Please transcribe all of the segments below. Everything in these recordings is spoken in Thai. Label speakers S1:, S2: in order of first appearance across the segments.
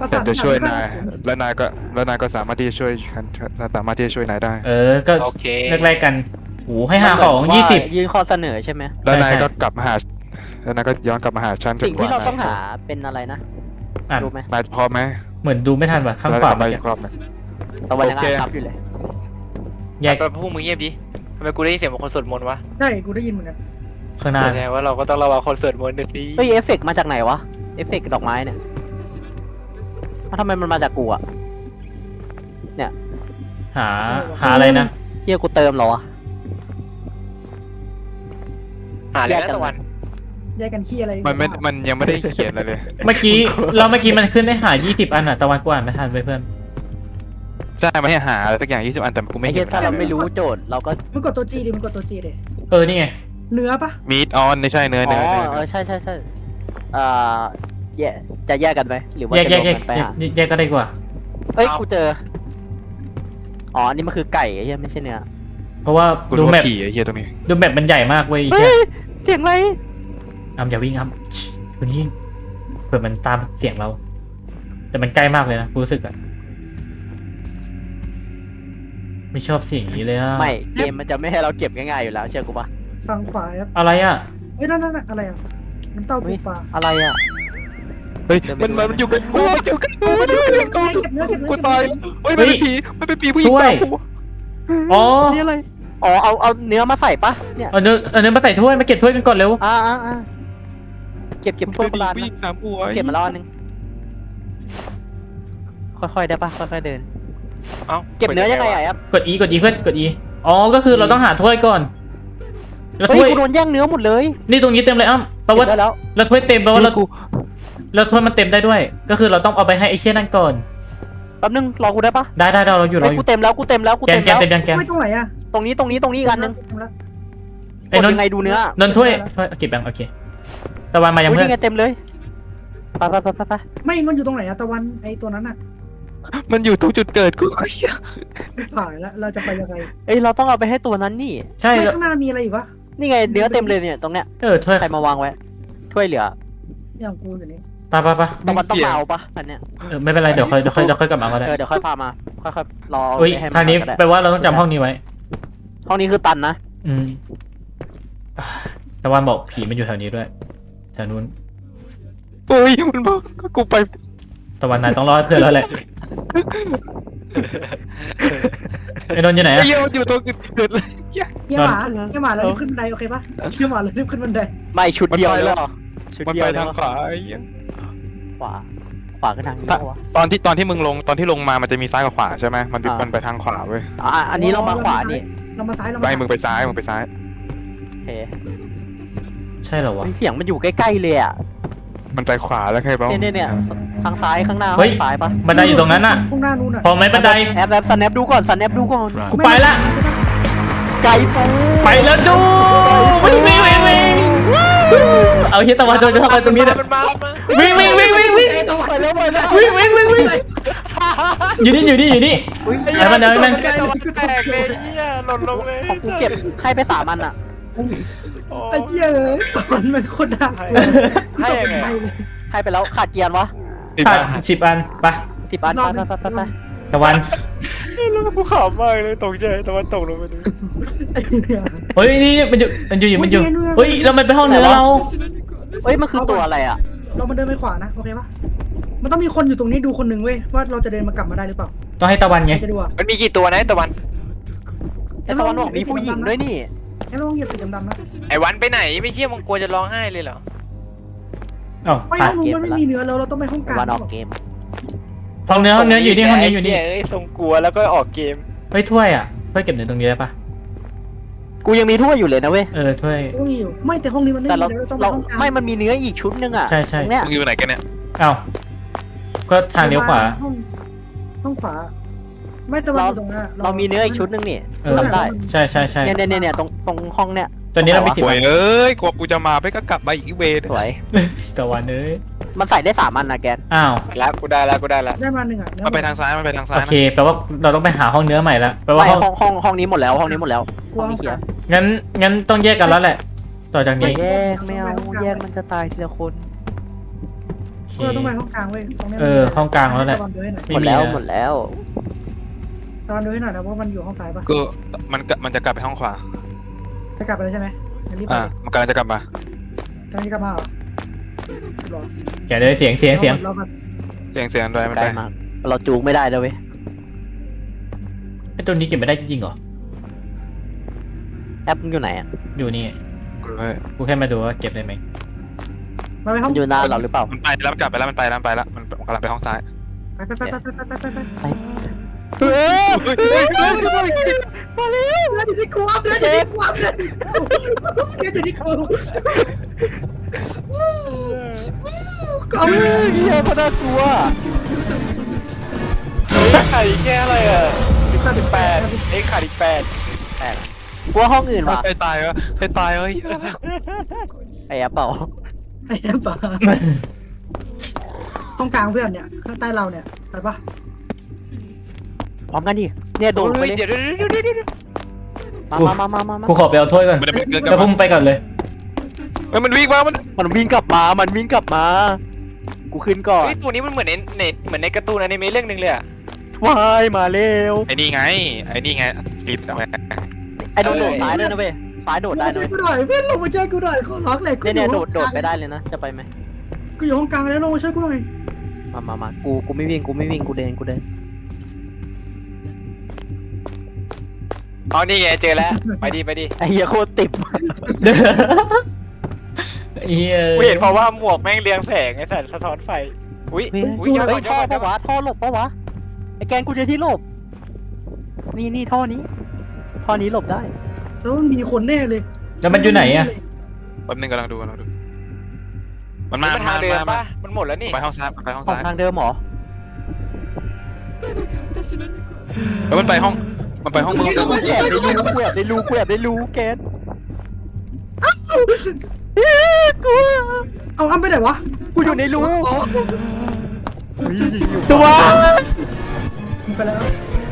S1: ประ
S2: แต่
S1: สาน
S2: จะช่วย
S1: ง
S2: นายแล้วนายก็สามารถที่จะช่วยฉันสามารถที่จะช่วยนายได้
S3: ก็
S4: โอเค
S3: แรกๆกันโอ้ให้หาของ
S5: มันเหมืนว่า
S3: 20
S5: ยื่นข้อเสนอใช่ไหม
S2: แล้วนาย
S3: ใช่
S2: ก็กลับมาหาแล้วนายก็ย้อนกลับมาหาฉัน
S5: สิ่งที่เราต้องหา
S2: จน
S5: เป็นอะไรนะ
S3: อ่าน
S5: รู้ไหม
S2: นายพร้อมไหม
S3: เหมือนดูไม่ทันว่ะข้าง
S2: แล้ว
S3: ขวา
S2: กลับ
S3: เมื่
S2: มา
S3: อ
S2: อี
S3: กี้
S2: กรอบหนึง
S5: ตะวันยัง
S2: โอเค
S5: อ่านซับอยู่เลย
S3: แยก
S4: แต่พวกมึงเงียบดิทำไมกูได้ยินเสียงเหมือนคนสวดมนต์วะ
S1: ใช่กูได้ยินเหมือนกัน
S3: ข้างหน้า
S4: แสดงว่าเราก็ต้องระวังคนสวดมนต์ด้วยสิ
S5: เฮ้ยเอฟเฟกต์มาจากไหนวะเอฟเฟกต์ดอกไม้เนี่ยทำไมมันมาจากกูอะ
S3: หาอะไรนะ
S5: เฮียกูเติมเหรอวะ
S4: หาเลยนะตะวัน
S1: แยกกันขี้อะไร
S2: มันยังไม่ได้เขียนอะไรเลย
S3: เมื่อกี้มันขึ้นได้หา20 อันอ่ะตะวันกว่าไม่ทันไปเพื่อน
S2: ใช่มาให้หาอะไรสักอย่าง20 อันแต่กูไม่
S5: ไอ้
S2: เห็
S5: เฮีย
S2: น
S5: ถ้าเราไม่รู้โจทย์เราก็
S1: มึงกดตัวจีดิมึงกดตัวจีดิ
S3: นี่ไง
S1: เนื้อปะ
S2: มีดออนไม่ใช่เนื้อ
S5: อ๋
S2: เนื้อ
S5: อ
S2: เนื้อ
S5: เออใช่แยกจะแยกกันไหมหรือว่า
S3: แยก
S5: จะ
S3: แย
S5: ร
S3: ก
S5: วม
S3: แยก
S5: กันไปหา
S3: แยกก็ได้กว่า
S5: เอ้ยกูเจออ๋ออันนี้มันคือไก่ไอ้เฮียไม่ใช่เนื้อ
S3: เพราะว่า
S2: กู
S3: ดู
S2: รู้
S3: แม
S2: ว่า
S3: ป
S2: ผีไอ้เหี้ยตรงนี้
S3: ดูแมปมันใหญ่มากเว้ย
S5: เฮ้ยเสียงอะไร
S3: อย่าวิ่งครับคุณยิ่งเผื่อมันตามเสียงเรา แต่มันใกล้มากเลยนะกูรู้สึกอะไม่ชอบเสียงนี้เลยอะ
S5: ไม่เกมมันจะไม่ให้เราเก็บง่ายๆอยู่แล้วเชื่อกูปะ
S1: ฝั่งขวาครับ
S3: อะไรอะ
S1: เอ้ยนั่นอะไรอ่ะน้ำเต้าปูปลา
S5: อะไรอ่ะ
S2: เฮ้ยมันอยู่กับกูมันอยู่กับกูมันอยู่กับกู
S1: เก็บเนื้อเก็บเนื้อ
S2: กู
S1: เก็บ
S2: ตาย
S1: เนื้อ
S2: เฮ้ยมันเป็นผีผู้หญิงสาวกู
S3: อ๋อ
S5: นี่อะไรอ๋อเอาเนื้อมาใส่ปะเนี่ย
S3: เอาเนื้อมาใส่ถ้วยมาเก็บถ้วยกันก่อนเร็ว
S5: เก็บถ้วยโบราณ
S2: ผู้หญิงสามหัว
S5: เก็บมาแล้วอันนึงค่อยๆได้ปะค่อยๆเดิน
S4: เอ้า
S5: เก็บเนื้อยังไงอ่ะครับ
S3: กด E เพื่อนกด E อ๋อก็คือเราต้องหาถ้วยก่อนแล้ว
S5: เฮ้ย
S3: ถ้วย
S5: กูโดนแย่งเนื้อหมดเลย
S3: นี่ตรงนี้เต็มเลยแปลว่า
S5: เก็บได้แล้ว
S3: แล้วถ้วยเต็มแปลว่าเราแล้วถ้วยมันเต็มได้ด้วย ก็คือเราต้องเอาไปให้ไอ้เชี่ยนั่นก่อน
S5: แป๊บนึงรอกูได้ปะ
S3: ได้เราอยู่
S5: เฮ้ยกูเต็มแล้วกูเต็มแล้วกู
S3: แก
S5: เต็
S3: น
S5: ม
S3: แกน
S5: แล้ว
S3: เต็มยังแกน
S1: ไม่ตรงไหนอ่ะ
S5: ตรงนี้อีกอันนึง
S1: ตรงแล้ว
S3: ไอ้
S5: กด
S3: นน
S5: ยังไงดูเนื้อน
S3: นถ้วยเก็บยังโอเคตะวันมายัง
S5: อุ้ย
S3: เพื่อน
S5: นี่ไงเต็มเลยไป
S1: ไม่มันอยู่ตรงไหนอะตะวันไอตัวนั้นอะ
S2: มันอยู่ตรงจุดเกิดกู
S1: ผ่านแล้วเราจะไปยังไง
S5: เอ้ยเราต้องเอาไปให้ตัวนั้นนี่
S3: ใช่
S1: ไม่ข้างหน้ามีอะไรอีกวะ
S5: นี่ไงเนื้อเต็มเลยเนี่ยตรงเนี้ย
S3: ถ้วย
S5: ใครมาวางไว้ถ้วยเหลือ
S1: อย่างกูอยู่นี่
S3: ไป
S5: ตะวันต้องมาเอาปะอันเนี้ย
S3: ไม่เป็นไรเดี๋ยวค่อยกลับมาก็ได้
S5: เดี๋ยวค่อยพามาค่อยๆรอ
S3: อุ้ย
S5: ให้มั
S3: ทางนี้
S5: ก็ได้
S3: แปลว่าเราต้องจำห้องนี้ไว้
S5: ห้องนี้คือตันนะ
S3: อืมตะวันบอกผีมันอยู่แถวนี้ด้วยแถวนู้น
S2: เฮ้ยมันบอกกูไป
S3: ตะวันนายต้องรอดเพื่อนแล้วแหละไอ้นนท์อยู่ไหน
S2: ไอ้
S3: อะ
S2: เหี้ยมันอยู่ตรงจุดเกิดเลย
S1: เยี่ยหมาแล้วรีบขึ้นบันไดโอเคปะเยี่ยหมาแล้วรีบขึ้นบันได
S5: ไม่ชุดเดียวเลยเหรอชุด
S2: มัน
S5: เดียว
S2: ไป
S5: เลย
S2: ทาง
S5: เหรอ
S2: ขวาไอ้เหี้ย
S5: ขวาคือทางนี้เหรอวะ
S2: ตอนที่มึงลงตอนที่ลงมามันจะมีซ้ายกับขวาใช่ไหมมันไปทางขวาเว้ย
S5: อันนี้เรามาขวานี่
S1: เรามาซ้ายเรา
S2: ไป
S1: มา
S2: มึงไปซ้ายมึงไปซ้าย
S5: โอเค
S3: ใช่เหรอวะ
S5: เสียงมันอยู่ใกล้ๆเลยอ่ะ
S2: มันไปขวาแล้วใครบ้าง
S5: เนี่ยทางซ้ายข้างหน้า
S3: เฮ้ย
S5: ซ้ายปะ
S3: บันไดอยู่ตรงนั้นอะ
S1: ข้างหน้านู้นอะ
S3: พอไหมบันได
S5: แอบสแนปดูก่อนสแนปดูก่อน
S3: กูไปละ
S5: ไก่ปู
S3: ไปแล้วจูวิ่งเอาเฮียตะวันจะเข้าไปตรงนี้เนี่ย
S4: มันมา
S3: วิ่ง
S5: ไปแล้ว
S3: วิ่งอยู่นี่
S5: อุ้ย
S3: ไอ้มันเดินมัน
S4: แตกเลยเหี้ยหล่นลงเลย
S5: ของกูเก็บให้ไป3 อันอ่ะ
S1: ไอ้เหี้ยตอนมันคนดัง
S4: ให้ยังไง
S5: ให้ไปแล้วขาดเกียร์วะ
S3: ขาด10 อันไป
S5: 10 อันไป
S3: ตะวัน
S4: แล้วกูขำมากเลยตกใจตะวันตกลงไปดู
S1: ไอ้เนี่ย
S3: เฮ้ยนี่มันอยู่เฮ้ยเราไปห้องเนื้อเรา
S5: เฮ้ยมันคือตัวอะไรอ่ะ
S1: เรามาเดินไปขวานะโอเคปะมันต้องมีคนอยู่ตรงนี้ดูคนหนึ่งเว้ยว่าเราจะเดินมากลับมาได้หรือเปล่า
S3: ต้องให้ตะวันไง
S1: จะดูอ่ะ
S4: มันมีกี่ตัวนะตะวัน
S5: ไอ้ตะวันบอกมีผู้หญิงด้วยนี่
S1: ไอ้ลองเหยียบสีดำๆนะ
S4: ไอ้วันไปไหนไม่เชี่ยมึงกลัวจะร้องไห้เลยเหรอ
S3: อ๋อ
S1: ไม่ห้องนู้นมันไม่มีเนื้อแล้วเราต้องไปห้องกลาง
S5: วันออกเกม
S3: ห้องเนื้ออยู่นี่ห้องเนื้ออยู่นี่
S4: เอ้ยทรงกลัวแล้วก็ออกเกม
S3: เฮ้ยถ้วยอ่ะถ้วยเก็บในตรงนี้ได้ปะ
S5: กูยังมีถ้วยอยู่เลยนะเว้ย
S3: ถ้วย
S1: ก็มีอยู่ไม่แต่ห้องนี้มันไม่
S5: แต่
S1: มีแล้วต้องไป
S5: เรา
S1: ห้องกลาง
S5: ไม่มันมีเนื้ออีกชุดนึงอ่ะ
S3: ใช่
S5: ตรงเนี้ย
S2: มึงอยู่ไหนกันเนี่ย
S3: อ้าวก็ทางเลี้ยวขวา
S1: ห้องขวา ไม่แต่ว่าอยู่ตรงนั้น
S5: เรามีเนื้ออีกชุดนึงนี่ทำได้
S3: ใช่
S5: เนี่ยตรงห้องเนี้ย
S3: ตอนนี้เราไป
S2: ป่วยเอ้ยกว่ากูจะมาไปก็กลับมาอีกเวร
S5: สวย
S3: ตะวันเอ้ย
S5: มันใส่ได้3 อันนะแกน
S3: อ้าว
S4: แล้วกูได้แล้ว
S1: ได้มาหนึ่งอ่ะ
S2: มันไปทางซ้ายมันไปทางซ้า
S3: โอย เคแปลว่าเราต้องไปหาห้องเนื้อใหม่ละแปลว่า
S5: ไม่ห้องนี้หมดแล้วห้องนี้เคลียร์
S3: งั้นต้องแยกกันแล้วแหละ ต่อจากนี้
S5: แยกไม่เอาแยกมันจะตายทีละคน
S3: โอเคเค
S1: เราต้องไปห้องกลางเว้ยตรงนี้
S3: ห้องกลางแล้วแหละ
S1: ตะวันดูให้หน่อย
S5: หมดแล้ว
S3: ไนะ
S5: หมดแล้ว
S1: ตะวันดูให้หน่อยนะว่ามันอยู่ห้องซ้ายปะ
S2: ก็มันจะกลับไปห้องขวา
S1: จะกลับไปแล้วใช่ไหมงั้นรีบไป
S2: มันกำลังจะกลับมา
S1: กำลังจะกลับมาเหรอรอ
S3: แกเลยเสียง
S1: รอก่อน
S2: เสียงด้วยมัน
S5: ใกล้
S2: ได้
S5: มากเราจูงไม่ได้แล้วเว้ย
S3: ไอ้ตัวนี้เก็บไม่ได้จริงๆเหรอ
S5: แอปมึงอยู่ไหนอ่ะ
S3: อยู่นี่
S2: เฮ้ย
S3: กูแค่มาดูว่าเก็บได้ไหม
S1: มาไปห้
S5: มั
S1: อง
S5: นอยู่หน้าเราหรือเปล่า
S2: มันไปแล้วมันกลับไปแล้วมันไปแล้วมันกำลังไปห้องซ้าย
S1: ไป
S5: เฮ้ย
S1: เดือนที่กูอัพเดือนที่กูอัพเดือนที่กูก็เอา
S5: เฮียพนักกลัว
S4: ขาดอีกแค่อะไรอ่ะ18เอ้ยขาดอีก8
S5: กลัวห้องอื่นว่ะ
S2: ใครตายวะใครตายเฮ้ย
S5: ไอ้แอปเปล่า
S1: ไอ้บ้าห้องกลางเพื่อนเนี่ยข้างใต้เราเนี่ยไปปะ
S5: พร้อมกันดิเนี่ยโดดไปเลย
S4: เดี๋ยว
S5: มา
S3: กูขอไปเอาถ้วยก่อน
S2: มันจะเกินกลั
S3: แล้
S2: บ
S3: วพวกมึงไปก่อนเลย
S2: มันวิ่งมามัน
S5: มันวิ่งกลับมา มันวิ่งกลับมา กูขึ้นก่อน
S4: เฮ้ยตัวนี้มันเหมือนในการ์ตูนอนิเมะเรื่องนึงเลยอ่ะ
S5: ว้ายมาเร็ว
S2: ไอ้นี่ไงปิดทำไม
S5: ไอ้โดดซ้ายด้วยนะเว้ยซ้ายโดดได้
S1: มา
S5: นะ
S1: ช่วย
S5: เว้ย
S1: กูหน่อยเพื่อนลงมาช่วยกูหน่อยขอร้องเลย
S5: เนี่ยโดดไปได้เลยนะ จะไปไหม
S1: กูอยู่ห้องกลางแล้วลงมาช่วยกูหน่อย
S5: มากูไม่วิ่งกูเดิน
S4: อ๋อนี่ไงเจอแล้วไปดิ
S5: ไอ้เหี้ยโคตรติด
S3: เฮีย
S4: กูเห็นเพราะว่าหมวกแม่งเรียงแสงไอ้สัตว์สะท้อนไฟอุ้ย
S5: เฮ้ย
S4: ย้อน
S5: ท่อปะวะท่อหลบปะวะไอ้แกนกูเจอที่หลบนี่ท่อนี้หลบได้
S1: แล้วมันมีคนแน่เลย
S3: แล้วมันอยู่ไหนอะ
S2: แป๊บนึงกำลังดูมันมา
S4: มันทางเดิมปะมันหมดแล้วนี่
S2: ไปห้องซ้ายไปห้อง
S5: ออก
S2: ซ้าย
S5: ทางเดิมหรอ
S2: แล้วมันไปห้องมึง
S5: กูแอบได้รู้แกน
S1: เอาอ้ำไปไหนวะ
S5: กูอยู่ในรู
S3: ตัว
S1: มึงไปแล้ว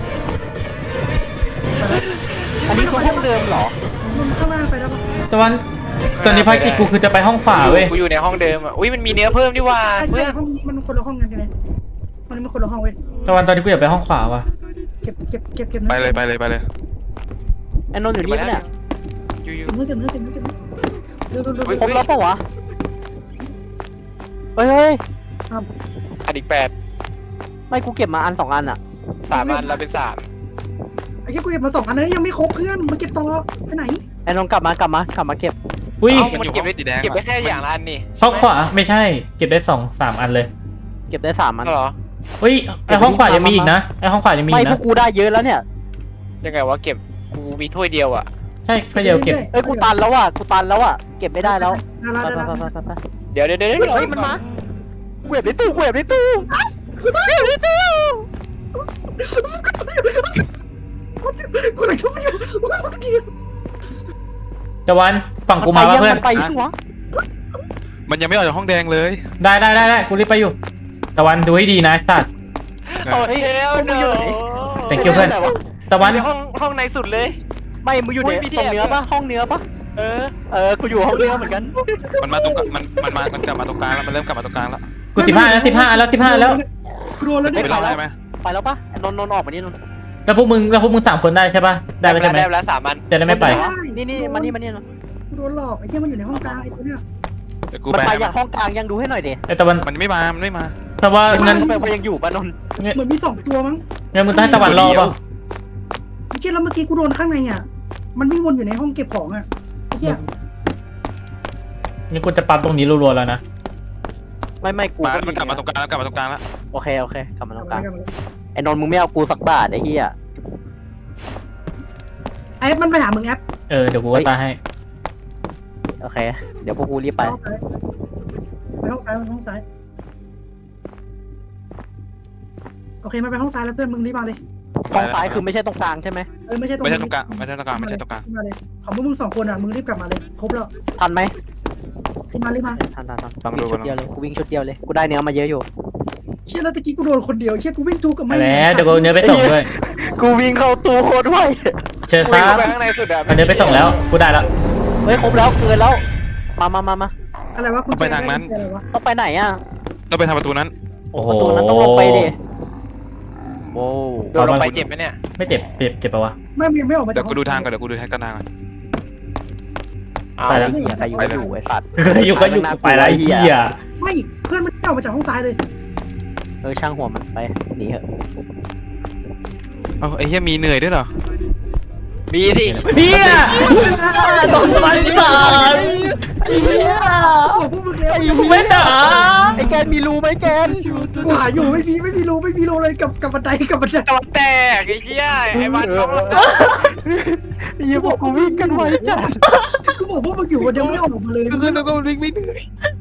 S5: อันนี้คือห้องเดิมเหรอ
S1: มึงข้างหน้าไปแล้วปะ
S3: ตะวันตอนนี้ภารกิจกูคือจะไปห้องขวาเว้ย
S4: กูอยู่ในห้องเดิมอ่ะอุ้ยมันมีเนื้อเพิ่มดิว่า
S1: ไอ้
S4: เพื่อน
S1: ห้องนี้มันคนละห้องกันไงมันคนละห้องเว้ย
S3: ตะวันตอนนี้กูอยากไปห้องขวาว่ะ
S1: เก็บ
S2: ไปเลย
S5: ไอ้นนท์อยู่นี่ปะเนี่ย
S4: อยู่
S1: เก็บเนื้อเร็ว
S5: ครบแล้วปะวะเฮ้ย
S4: ขาดอีก
S5: ไม่กูเก็บมาอัน2 อันอ่ะ
S4: 3อันเราเป็น3
S1: ไอ้ที่กูเก็บมา2 อันนั้นยังไม่ครบเพื่อนมาเก็บต่อไปไหน
S5: ไอ้นนท์กลับมาเก็บ
S3: อุ้ย
S4: มันเก็บได้แค่อย่างละอันนี่
S3: ห้องขวาไม่ใช่ เก็บได้2-3 อันเลย
S5: เก็บได้3 อัน
S4: เหรอ
S3: อุ้ยไอห้องขวายังมีอีกนะไอห้องขวายังมี
S5: ไม่
S3: อีก
S5: พว
S3: นะ
S5: กกูได้เยอะแล้วเนี่ย
S4: ยังไงวะเก็บกูมีถ้วยเดียวอ่ะ
S3: ใช่แค่เดียวเก็บ
S5: เอ้ยกูตันแล้วอ่ะเก็บไม่ได้แล้ว
S1: ได้
S4: เดี๋ยว
S5: เฮ้ยมันมากูแอบในตู้กู
S1: เลยทุบอยู่
S3: ตะวันฝั่งกูมาป่ะเพื่อน
S5: มันไปยังวะ
S2: มันยังไม่ออกจากห้องแดงเลย
S3: ได้กูรีบไปอยู่ตะวันดูให้ดีนะไอ้สัตว์
S4: โอ้เทลเนอะ
S3: thank you เพื่อนตะวัน
S4: ในห้องในสุดเลย
S5: ไม่มึงอยู่ในตรงเนื้อปะห้องเนื้อปะ กูอยู่ห้องเนื้อเหมือนกัน
S2: มันมาตรงมันกลับมาตรงกลางแล้วมันเริ่มกลับมาตรงกลางแล้ว
S3: กู15แล้ว15
S1: กลัวแล้ว
S2: ไม่
S1: เนี่ย
S2: เป็นไรไหม
S5: ไปแล้วปะนนท์ออกมานี่นนท์
S3: แล้วพวกมึง3 คนได้ใช่ป่ะได้แล้วใช่ไหม
S4: ได้แล้ว3อัน
S3: จะได้ไม่ไป
S5: นี่มานี่นนท์
S1: กูโดนหลอกไอ้ที่มันอยู่ในห้องกลางไอ้ตัวเนี้ย
S2: เดี๋ยวกู
S5: มัน
S2: ไป
S5: ไปอย่างห้องกลางยังดูให้หน่อยดิ
S3: ไอตะวัน
S2: มันไม่มา
S3: แต่ว่างั้น
S5: ไปยังอยู่ปะนนท์
S1: เหมือนมี2 ตัวมั้ง
S3: งั้นมึงต้องให้ตะวันรอป่ะ
S1: ไอ้เชี่ยแล้วเมื่อกี้กูโดนข้างในอ่ะมันวิ่งวนอยู่ในห้องเก็บของอ่ะไอ้เชี่ย
S3: นี่กูจะปั๊มตรงนี้รัวๆแล้วนะ
S5: ไม่กู
S2: มันกลับมาตรงกลางแล้ว
S5: โอเคกลับมาตรงกลางไอ้นนท์มึงไม่เอากูสักบาทไอ้เหี้ย
S1: ไอ้มันไปหามึงแอป
S3: เดี๋ยวกูก็ตายให้
S5: โอเคเดี๋ยวพวกกูรีบไป
S1: ไปห้องซ้ายโอเคมันไปห้องซ้ายแล้วเพื่อนมึงรีบมาเลย
S5: ห้องซ้ายคือไม่ใช่ตรงกลางใช่ไหม
S1: ไม่ใช่ตรง
S2: ไม่ใช่ตรงกลางไม่ใช่ตรงกลางไม่ใช่ตรงกลาง
S1: มาเลยของพวกมึง2 คนอ่ะมึงรีบกลับมาเลยครบแล้ว
S5: ทันไหม
S1: รีบมา
S5: ทันวิ่งชุดเดียวเลยกูได้เนื้อมาเยอะอยู่
S1: เชี่ยแล้วตะกี้กูโดนคนเดียวเชี่ยกูวิ่งจูกับ
S3: ไป
S1: ไม่
S3: แล้วเดี๋ยวกูเอาเนื้อไปส่งด้วย
S5: กูวิ่งเข้าตู้โคตรไว
S3: เชิญค
S4: วิ่ง
S3: รับ
S4: เข้าไปข้างในสุดอะ
S3: เอาเนื้อไปส่งแล้วกูได้แล้ว
S5: เฮ้ยครบแล้วเกินแล้วมา
S1: อะไรวะคุณอะไรวะ
S5: ต้องไปไหนอ่ะ
S2: ต้องไปทางประตูนั้น
S3: โอ้โห
S5: ประตูนั้นต้องลงไปดิโว้ว
S4: โดนลงไปเจ็บไหมเนี่ย
S3: ไม่เจ็บเจ็บปะวะ
S1: ไม่ออกมา
S2: เดี๋
S1: จาย ก
S2: วกูดูทางก่อนเดี๋ยวกูดูทางกันทางก่อน
S4: เอา
S3: ไปแล้ว
S5: ไอ้เหี้ยใครอยู่ก็อยู่ไอ้สัตว์
S3: อยู่ก็อยู่ไปไรเหี้ย
S1: ไม่เพื่อนมันไม่ออกมาจากห้องซ้ายเลย
S5: ช่างหัวมันไปหนีเถอะ
S2: เอ้าไอ้เหี้ยมีเหนื่อยด้วยเหรอ
S4: มีดิ
S3: เหี้ยโดนฟันสารเหี้ย
S1: บอกพวกมึงแล้ว
S3: ไม่ด่า
S5: ไอ้แกนมีรูไหมแกน
S1: กูหาอยู่ไม่มีรูเลยกับบันได
S4: ตะวันแตกไอ้เหี้ยไอ้บ้านน้อง
S5: ไอ้เหี้ยพวกกูวิ่งกันไวจัด
S1: กูบอกพวกมึงอยู่คนเดียวไม่ออกมาเลย
S2: เพื่อนเราก็วิ่งไม่เหนื่อย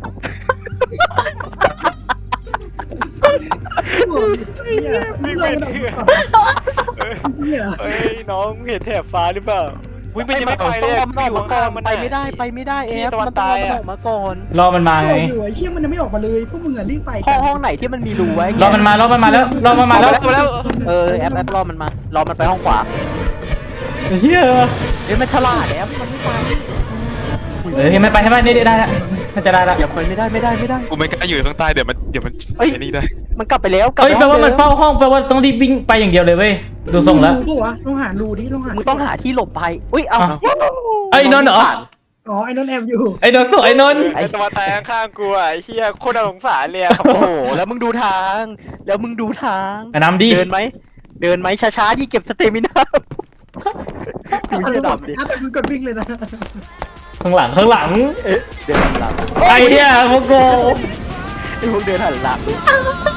S1: ไม่ลงมาเฮีย
S4: เฮ้ยน้องเห็นแถบฟ้าหรือเปล่าวิ่งไม่จะไม่ไปเลย
S5: มันออกมาก่อนไปไม่ได้เอฟมันต้องออกมาก่อน
S3: รอมันมาไง
S1: อยู่ไอ้เฮียมันยังไม่ออกมาเลยพวกมึงอ่ะรีบไป
S5: ห้องไหนที่มันมีรูไว้
S3: รอมันมาแล้วรอมันมาแล้ว
S5: แอปรอมันไปห้องขวา
S3: เฮีย
S5: เฮ้ยมันฉลาดแอปมันไม่ไป
S3: ไม่ไปให้บ้านนี่ได้แล้วมันจะได้แล้ว
S5: อย่าไปไม่ได้
S2: กูไม่กล้าอยู่ข้างใต้เดี๋ยวมันไอ้นี่ได้
S5: มันกลับไปแล้ว
S3: เฮ้ยแปลว่ามันเฝ้าห้องแปลว่าต้องรีบวิ่งไปอย่างเดียวเลยเว้ยดูทรงแล้ว
S1: รูปะวะต้องหารูดิต้องหา
S5: มึงต้องหาที่หลบภัยอุ้ยเอา
S3: ไอ้นนท์เหรอ
S1: อ๋อไอ้นนท์แอบอยู่
S3: ไอ้นนท์ไอ้นนท์
S4: ไอ้ตะวันแตกข้างกูอ่ะไอ้เหี้ยโคตรน่าสงสารเลยอะครับ
S5: โอ้โหแล้วมึงดูทาง
S3: น้ำดี
S5: เดินไหมช้าๆที่เก็บสเตมินาดูเชี่ยดำดิ
S1: แต่มึงกดวิ่งเลยนะ
S3: ข้างหลัง
S5: เดินหันหลัง
S3: ไอ้เนี่ยพวกโก
S5: ไอ้พวกเดินหันหลัง